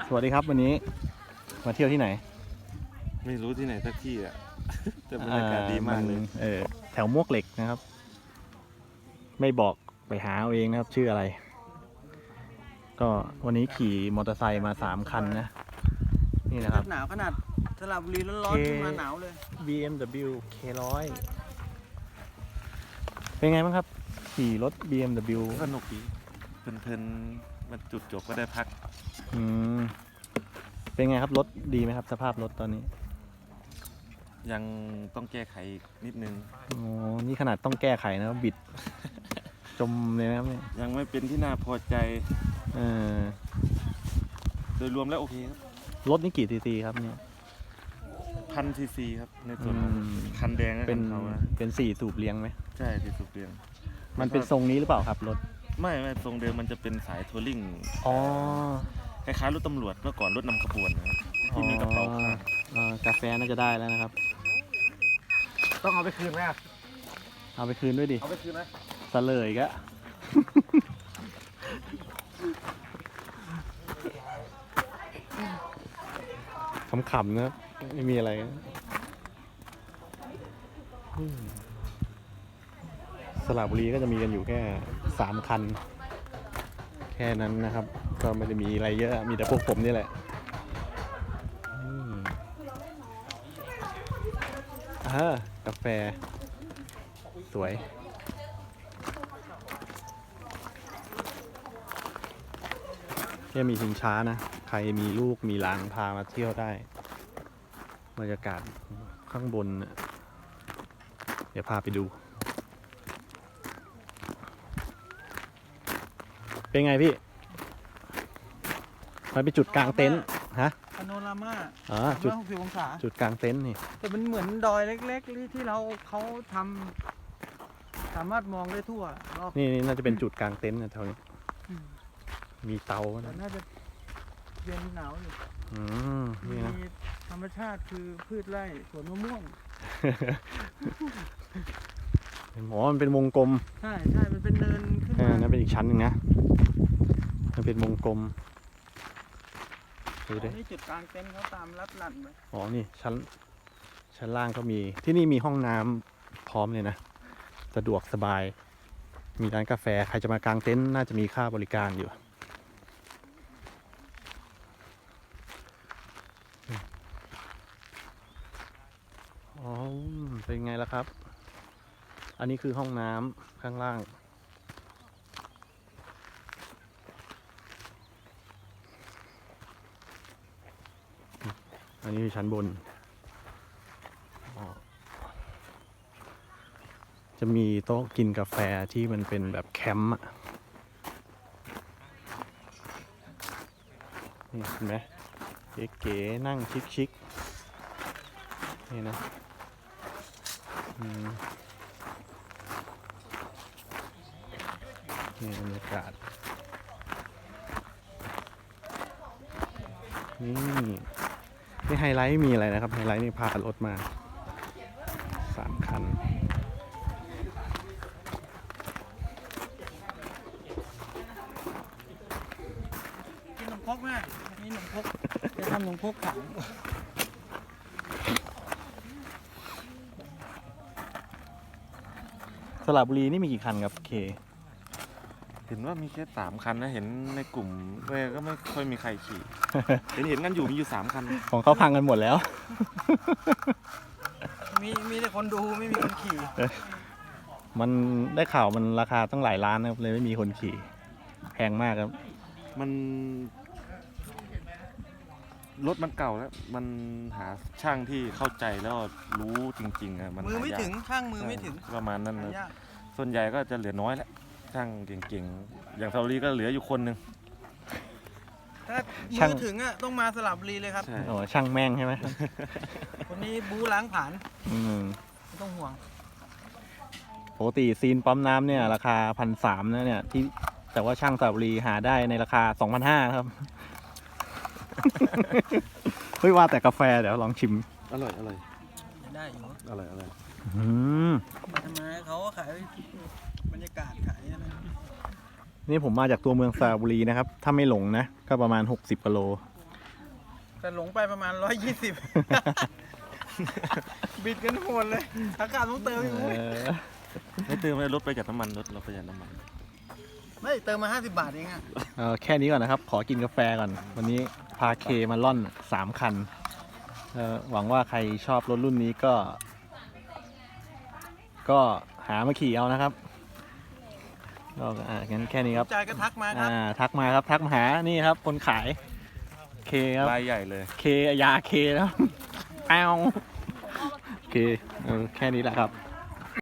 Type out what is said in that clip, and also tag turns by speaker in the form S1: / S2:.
S1: สวัสดีครับวันนี้มาเที่ยวที่ไหน
S2: ไม่รู้ที่ไหนสักที่อ่ะ แต่บรรยากาศดีมากเลย
S1: แถวมวกเหล็กนะครับ ไม่บอกไปหาเอาเองนะครับชื่ออะไร ก็วันนี้ขี่มอเตอร์ไซค์มา3 คันนะนี่นะครับ
S3: หนาวขนาดสระบุรีร้อนๆขึ้นมาหนาวเลย
S1: BMW K100 เป็นไงบ้างครับขี่รถ BMW
S2: สนุกดีเพลินๆมันจุดจบก็ได้พัก
S1: เป็นไงครับรถดีไหมครับสภาพรถตอนนี้
S2: ยังต้องแก้ไขนิดนึง
S1: นี่ขนาดต้องแก้ไขนะครับบิด จมเลยนะครับเนี่ย
S2: ยังไม่เป็นที่น่าพอใจโดยรวมแล้วโอเคครับ
S1: รถนี่กี่ซีซีครับเนี่ย
S2: 1,000 ซีครับในส่วนคันแดง
S1: เป็น4 สูบเลี้ยงไหม
S2: ใช่4 สูบเลี้ยง
S1: มันเป็นทรงนี้หรือเปล่าครับรถ
S2: ไม่ทรงเดิมมันจะเป็นสายทัวริงคล้ายๆรถตำรวจเมื่อก่อนรถนำขบวนนะครับที่มีกระเป๋าข้าง
S1: กาแฟน่าจะได้แล้วนะครับ
S3: ต้องเอาไปคืนไหม
S1: เอาไปคืนด้วยดิ
S3: เอาไปคืนไหม
S1: เสลยก็ขำๆนะครับไม่มีอะไรสระบุรีก็จะมีกันอยู่แค่3 คันแค่นั้นนะครับก็ไม่ได้มีอะไรเยอะมีแต่พวกผมนี่แหละกาแฟสวยแค่มีชิงช้านะใครมีลูกมีหลานพามาเที่ยวได้บรรยากาศข้างบนเดี๋ยวพาไปดูเป็นไงพี่มันเป็นจุดกลางเต็นท์ฮะ
S3: พาโนรามา
S1: จุด
S3: 60 องศา
S1: จุดกลางเต็นท์นี่
S3: แต่มันเหมือนดอยเล็กๆที่เขาทำสามารถมองได้ทั่ว
S1: นี่น่าจะเป็นจุดกลางเต็นท์นะแถวนี้มีเตา
S3: น่าจะเย็นหนาวอยู่มีธรรมชาติคือพืชไร่สวนมะม่วง
S1: มันเป็นวงกลม
S3: ใช่มันเป็นเนินขึ้นมา
S1: นั่นเป็นอีกชั้นหนึ่งนะมันเป็นวงกลม
S3: นี่จุดกลางเต็นท์เขาตามลัดหลั่นไป
S1: นี่ชั้นล่างก็มีที่นี่มีห้องน้ำพร้อมเลยนะสะดวกสบายมีร้านกาแฟใครจะมากางเต็นท์น่าจะมีค่าบริการอยู่เป็นไงล่ะครับอันนี้คือห้องน้ำข้างล่างอันนี้คือชั้นบนจะมีโต๊ะกินกาแฟที่มันเป็นแบบแคมป์นี่เห็นไหมเก๋ๆนั่งชิคๆนี่นะนี่บรรยากาศนี่ไฮไลท์มีอะไรนะครับไฮไลท์นี่พารถมา3 คัน
S3: กินขนมครกไหมนี่ขนมครกจะทำขนมครกขัง
S1: สระบุรีนี่มีกี่คันครับเค
S2: เห็นว่ามีแค่3 คันนะเห็นในกลุ่มก็ไม่ค่อยมีใครขี่ เห็นกันอยู่มีอยู่3 คัน
S1: ของเขาพังกันหมดแล้ว
S3: มีแต่คนดูไม่มีคนขี่
S1: มันได้ข่าวมันราคาตั้งหลายล้านนะครับเลยไม่มีคนขี่แพงมากครับ
S2: มันรถมันเก่าแล้วมันหาช่างที่เข้าใจแล้วรู้จริงๆมัน
S3: มือไม่ถึงช่างมือไม่ถึง
S2: ประมาณนั้นนะส่วนใหญ่ก็จะเหลือน้อยแล้วช่างเก่งๆอย่างซาลีก็เหลืออยู่คนหนึ่ง
S3: ถ้ามือถึงต้องมาสระบุรีเลยครับ
S1: ช่างแม่งใช่ไหม
S3: คนนี้บู๊ล้างผ่านไม่ต้องห่วง
S1: ปกติซีนปั๊มน้ำเนี่ยราคา1,300นะเนี่ยที่แต่ว่าช่างสระบุรีหาได้ในราคา 2,500 ครับเฮ้ยว่าแต่กาแฟเดี๋ยวลองชิม
S2: อร่อย
S3: ได้อยู่
S2: อร่อย
S3: ทำไมเขาขายบรรยากาศขายอะไร
S1: นี่ผมมาจากตัวเมืองสระบุรีนะครับถ้าไม่หลงนะก็ประมาณ60 กิโล
S3: แต่หลงไปประมาณ 120 บิดกันโหดเลยอากาศต้องเติมอีกมุ้ย
S2: ไม่เติมเลยรถประหยัดน้ำมันรถเราประหยัดน้ำมัน
S3: ไม่เติมมา50 บาทเองอะ
S1: แค่นี้ก่อนนะครับ ขอกินกาแฟก่อน วันนี้พาเคมาล่อน3 คันหวังว่าใครชอบรถรุ่นนี้ก็หามาขี่เอานะครับก็งั้นแค่นี้ครับ
S3: ใจก็ทักมาครับ
S1: ทักมาครับ ทักมาหานี่ครับ คนขายเคครับ
S2: รายใหญ่เลย
S1: เคยาเคแล้วแอวโอเคแค่นี้แหละครับ